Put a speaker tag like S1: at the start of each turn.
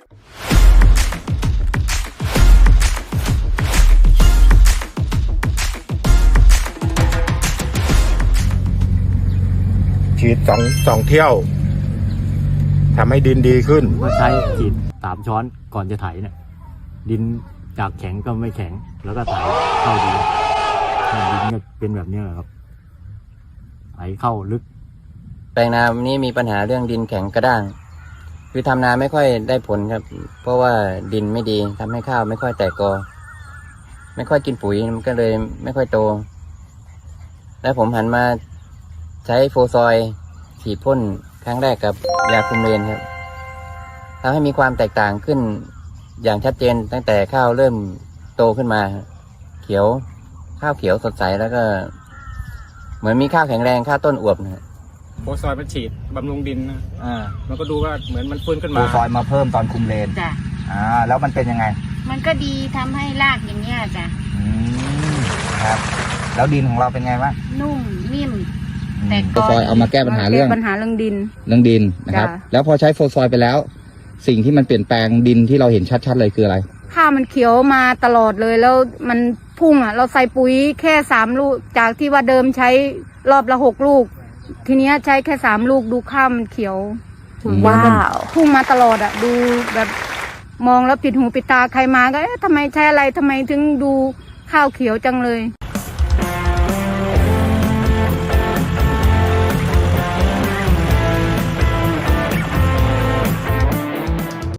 S1: ฉีดสองเที่ยวทำให้ดินดีขึ้น
S2: ก็ใช้ฉีด3 ช้อนก่อนจะไถเนี่ยดินจากแข็งก็ไม่แข็งแล้วก็ไถเข้าดีดินก็เป็นแบบนี้ครับไถเข้าลึก
S3: แปลงนานี้มีปัญหาเรื่องดินแข็งกระด้างคือทำนาไม่ค่อยได้ผลครับเพราะว่าดินไม่ดีทำให้ข้าวไม่ค่อยแตกกอไม่ค่อยกินปุ๋ยมันก็เลยไม่ค่อยโตแล้วผมหันมาใช้โฟซอยฉีดพ่นครั้งแรกกับยาคุมเลนครับทำให้มีความแตกต่างขึ้นอย่างชัดเจนตั้งแต่ข้าวเริ่มโตขึ้นมาเขียวข้าวเขียวสดใสแล้วก็เหมือนมีข้าวแข็งแรงข้าวต้นอวบนะ
S4: โฟซอยมันฉีดบำรุงดินนะมันก็ดูว่าเหมือนมันฟื้นขึ้นมา
S5: โฟซอยมาเพิ่มตอนคุมเลน
S6: จ้ะ
S5: แล้วมันเป็นยังไง
S6: มันก็ดีทำให้รากอย่างเงี้ยจ้ะ
S5: ครับแล้วดินของเราเป็นไงบ้าง
S6: นุ่มนิ่ม
S5: แต่โฟซอยเอามาแก้ปัญหาเรื่อง
S6: ดิน
S5: นะครับแล้วพอใช้โฟซอยไปแล้วสิ่งที่มันเปลี่ยนแปลงดินที่เราเห็นชัดๆเลยคืออะไร
S6: ข้าวมันเขียวมาตลอดเลยแล้วมันพุ่งเราใส่ปุ๋ยแค่3 ลูกจากที่ว่าเดิมใช้รอบละ6 ลูกทีเนี้ยใช้แค่3 ลูกดูข้าวมันเขียว
S5: ว้าว
S6: พุ่งมาตลอดดูแบบมองแล้วปิดหูปิดตาใครมาก็ทำไมใช้อะไรทำไมถึงดูข้าวเขียวจังเลย